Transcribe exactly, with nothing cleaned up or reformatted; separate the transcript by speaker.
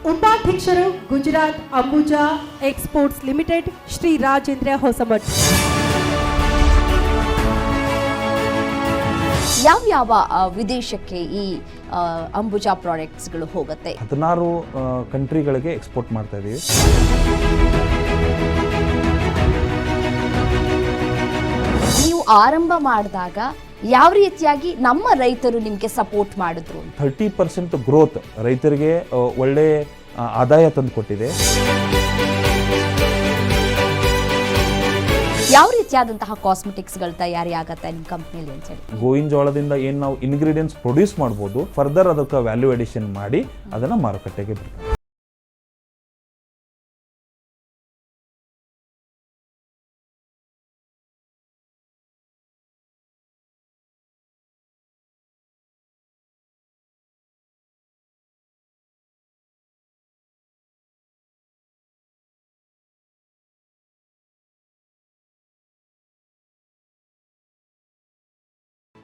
Speaker 1: ಉಪಾಧ್ಯಕ್ಷರು Gujarat Ambuja exports limited Shri Rajendra Hosamath.
Speaker 2: ಯಾವ್ಯಾವ ವಿದೇಶಕ್ಕೆ ಈ ಅಂಬುಜಾ ಪ್ರಾಡಕ್ಟ್ಸ್ಗಳು ಹೋಗುತ್ತೆ?
Speaker 3: ಹದಿನಾರು ಕಂಟ್ರಿಗಳಿಗೆ ಎಕ್ಸ್ಪೋರ್ಟ್ ಮಾಡ್ತಾ ಇದ್ದೀವಿ.
Speaker 2: ನೀವು ಆರಂಭ ಮಾಡಿದಾಗ ಯಾವ ರೀತಿಯಾಗಿ ನಮ್ಮ ರೈತರು ನಿಮಗೆ ಸಪೋರ್ಟ್ ಮಾಡಿದ್ರು?
Speaker 3: ಥರ್ಟಿ ಪರ್ಸೆಂಟ್ ಗ್ರೋತ್ ರೈತರಿಗೆ ಒಳ್ಳೆ ಆದಾಯ ತಂದುಕೊಟ್ಟಿದೆ.
Speaker 2: ಯಾವ ರೀತಿಯಾದಂತಹ ಕಾಸ್ಮೆಟಿಕ್ಸ್ಗಳ ತಯಾರಿ ಆಗತ್ತೆ ನಿಮ್ಮ ಕಂಪ್ನಿಯಲ್ಲಿ ಅಂತ ಹೇಳಿ?
Speaker 3: ಗೋವಿನ ಜೋಳದಿಂದ ಏನು ನಾವು ಇಂಗ್ರೀಡಿಯೆಂಟ್ಸ್ ಪ್ರೊಡ್ಯೂಸ್ ಮಾಡ್ಬೋದು, ಫರ್ದರ್ ಅದಕ್ಕೆ ವ್ಯಾಲ್ಯೂ ಅಡಿಷನ್ ಮಾಡಿ ಅದನ್ನು ಮಾರುಕಟ್ಟೆಗೆ ಬಿಡ್ತೀವಿ.